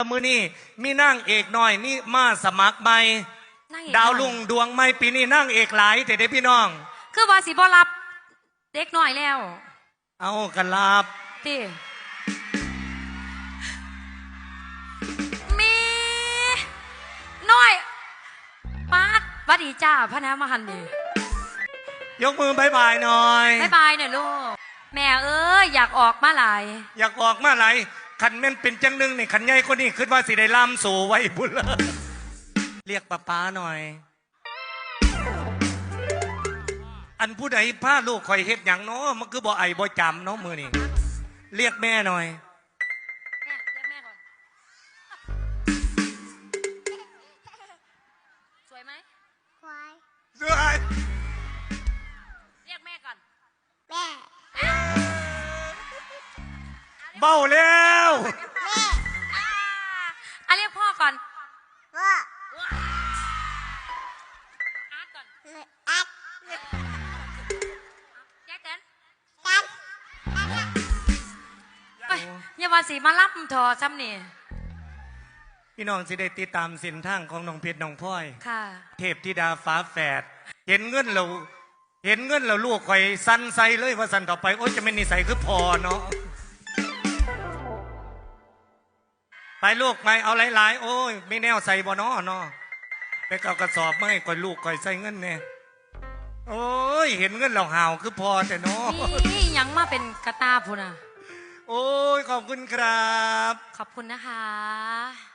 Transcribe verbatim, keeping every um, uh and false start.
มือนี่มีนั่งเอกหน่อยนี่มาสมัครใหม่ดาวลุงดวงไม่ปีนี้นั่งเอกหลายแต่เด็กพี่น้องคือว่าสิบ่รับเด็กหน่อยแล้วเอากันลาบติมีน้อยปาดวัดดีจ้าพระน้ำมหันดียกมือบายบายหน่อยบายบายหน่อยลูกแม่เอ้ยอยากออกมาหลายอยากออกมาหลายขันแม่นเป็นจังนึงนี่ขันใหญ่คนนี้คิดว่าสิได้ล่ำสู่ไว้บุญเลยเรียกป้าป้าหน่อยอันผู้ใดพาลูกคอยเฮ็ดอย่างเนาะมันคือบ่ไอบ่จำเนาะมือนี่เรียกแม่หน่อยแม่เรียกแม่ก่อนสวยไหมสวยสวยเรียกแม่ก่อนแม่เบาแล้วแม่อ่ะเรียกพ่อก่อนพ่ออาร์ตก่อนอาร์ตแจ๊กกันจันไปอย่าว่าสิมารับถอซ้ำนี่พี่น้องสิได้ติดตามเส้นทางของน้องเพชรน้องพลอยค่ะเทพธิดาฟ้าแฝดเห็นเงินเราเห็นเงินเราลูกคอยสั้นใส่เลยว่าสั้นต่อไปโอ้ยจะไม่นิสัยคือพอเนาะไปลูกไปเอาหลายๆโอ้ยไม่แนวใส่บ่เนาะเนาะไปเอากระสอบมาให้ก่อยลูกก่อยใส่เงินเนี่ยโอ้ยเห็นเงินเราห่าวคือพอแต่เนาะนี่ยังมาเป็นกระตาพูนะโอ้ยขอบคุณครับขอบคุณนะคะ